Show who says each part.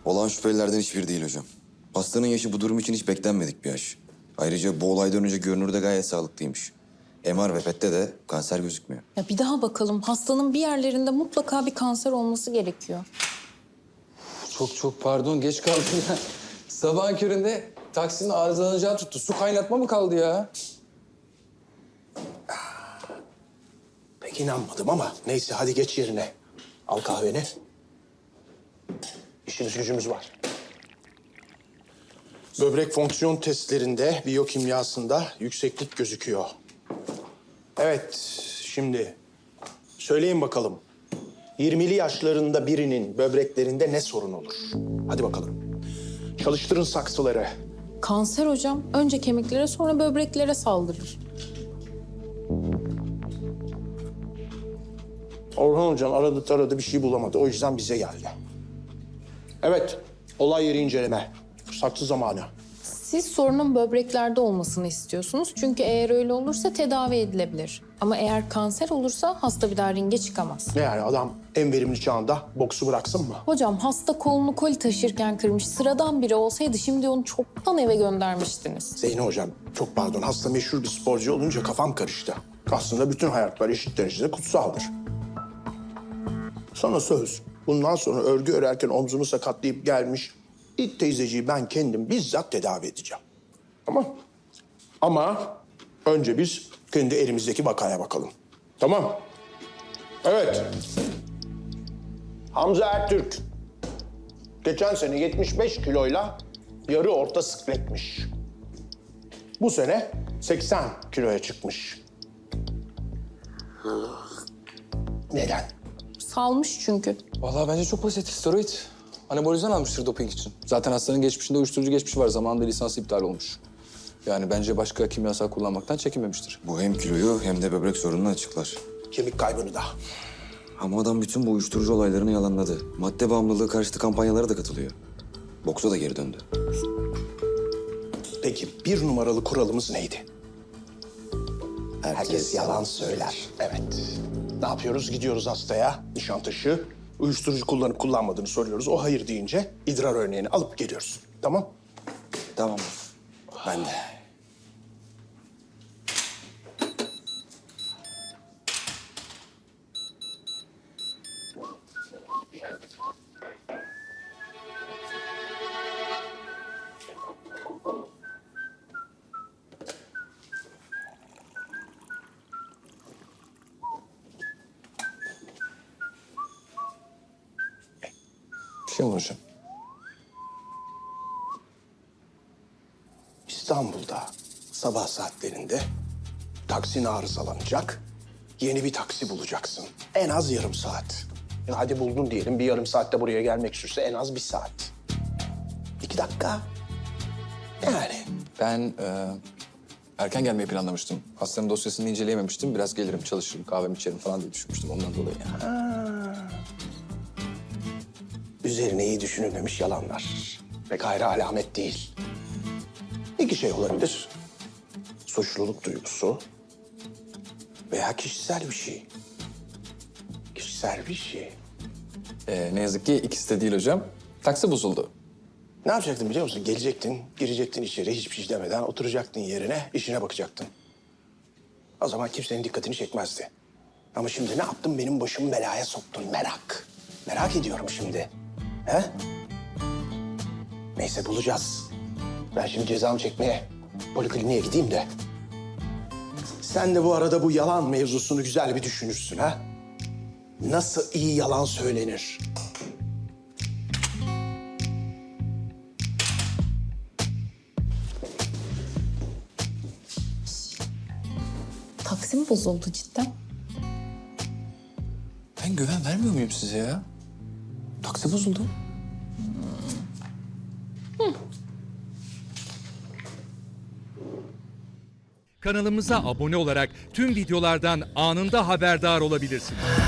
Speaker 1: Olan şüphelilerden hiçbiri değil hocam. Hastanın yaşı bu durum için hiç beklenmedik bir yaş. Ayrıca bu olaydan önce görünürde gayet sağlıklıymış. MR ve PET'te de kanser gözükmüyor.
Speaker 2: Ya bir daha bakalım. Hastanın bir yerlerinde mutlaka bir kanser olması gerekiyor.
Speaker 3: Çok pardon, geç kaldım ya. Sabahın köründe taksinin arızalanacağı tuttu. Su kaynatma mı kaldı ya?
Speaker 4: Pek inanmadım ama neyse hadi geç yerine. Al kahveni. İşimiz gücümüz var. Böbrek fonksiyon testlerinde, biyokimyasında yükseklik gözüküyor. Evet, şimdi söyleyin bakalım. 20'li yaşlarında birinin böbreklerinde ne sorun olur? Hadi bakalım. Çalıştırın saksıları.
Speaker 2: Kanser hocam. Önce kemiklere sonra böbreklere saldırır.
Speaker 4: Orhan Hocam aradı taradı bir şey bulamadı. O yüzden bize geldi. Evet, olay yeri inceleme. Saksı zamanı.
Speaker 2: Siz sorunun böbreklerde olmasını istiyorsunuz. Çünkü eğer öyle olursa tedavi edilebilir. Ama eğer kanser olursa hasta bir daha ringe çıkamaz.
Speaker 4: Ne yani adam en verimli çağında boksu bıraksın mı?
Speaker 2: Hocam hasta kolunu koli taşırken kırmış. Sıradan biri olsaydı şimdi onu çoktan eve göndermiştiniz.
Speaker 4: Zeyno Hocam çok pardon hasta meşhur bir sporcu olunca kafam karıştı. Aslında bütün hayatlar eşit derecede kutsaldır. Sana söz. Bundan sonra örgü örerken omzunu sakatlayıp gelmiş ilk teyzeciyi ben kendim bizzat tedavi edeceğim. Tamam. Ama önce biz kendi elimizdeki vakaya bakalım. Tamam. Evet. Hamza Ertürk. Geçen sene 75 kiloyla yarı orta sikletmiş. Bu sene 80 kiloya çıkmış. Neden?
Speaker 2: Salmış çünkü.
Speaker 3: Vallahi bence çok basit. Steroid. Anabolizan almıştır doping için. Zaten hastanın geçmişinde uyuşturucu geçmişi var. Zamanında lisansı iptal olmuş. Yani bence başka kimyasal kullanmaktan çekinmemiştir.
Speaker 1: Bu hem kiloyu hem de böbrek sorununu açıklar.
Speaker 4: Kemik kaybını da.
Speaker 1: Ama adam bütün bu uyuşturucu olaylarını yalanladı. Madde bağımlılığı karşıtı kampanyalara da katılıyor. Boksa da geri döndü.
Speaker 4: Peki bir numaralı kuralımız neydi? Herkes yalan söyler. Evet. Ne yapıyoruz? Gidiyoruz hastaya, Nişantaşı. Uyuşturucu kullanıp kullanmadığını soruyoruz. O hayır deyince idrar örneğini alıp geliyoruz. Tamam?
Speaker 1: Tamam. Ben de.
Speaker 3: Bir şey olur hocam.
Speaker 4: İstanbul'da sabah saatlerinde taksin arızalanacak. Yeni bir taksi bulacaksın. En az yarım saat. Ya hadi buldun diyelim. Bir yarım saatte buraya gelmek sürse en az 1 saat. 2 dakika. Yani.
Speaker 3: Ben erken gelmeyi planlamıştım. Hastanın dosyasını inceleyememiştim. Biraz gelirim, çalışırım, kahvemi içerim falan diye düşünmüştüm ondan dolayı.
Speaker 4: Üzerine iyi düşünülmemiş yalanlar. Pek hayra alamet değil. İki şey olabilir. Suçluluk duygusu veya kişisel bir şey. Kişisel bir şey.
Speaker 3: Ne yazık ki ikisi de değil hocam. Taksi bozuldu.
Speaker 4: Ne yapacaktın biliyor musun? Gelecektin, girecektin içeri hiçbir şey demeden oturacaktın yerine, işine bakacaktın. O zaman kimsenin dikkatini çekmezdi. Ama şimdi ne yaptın? Benim başımı belaya soktun. Merak. Merak ediyorum şimdi. He? Neyse bulacağız. Ben şimdi cezamı çekmeye polikliniğe gideyim de. Sen de bu arada bu yalan mevzusunu güzel bir düşünürsün ha? Nasıl iyi yalan söylenir?
Speaker 2: Taksim bozuldu cidden.
Speaker 3: Ben güven vermiyor muyum size ya? Taksi bozuldu.
Speaker 5: Kanalımıza abone olarak tüm videolardan anında haberdar olabilirsiniz.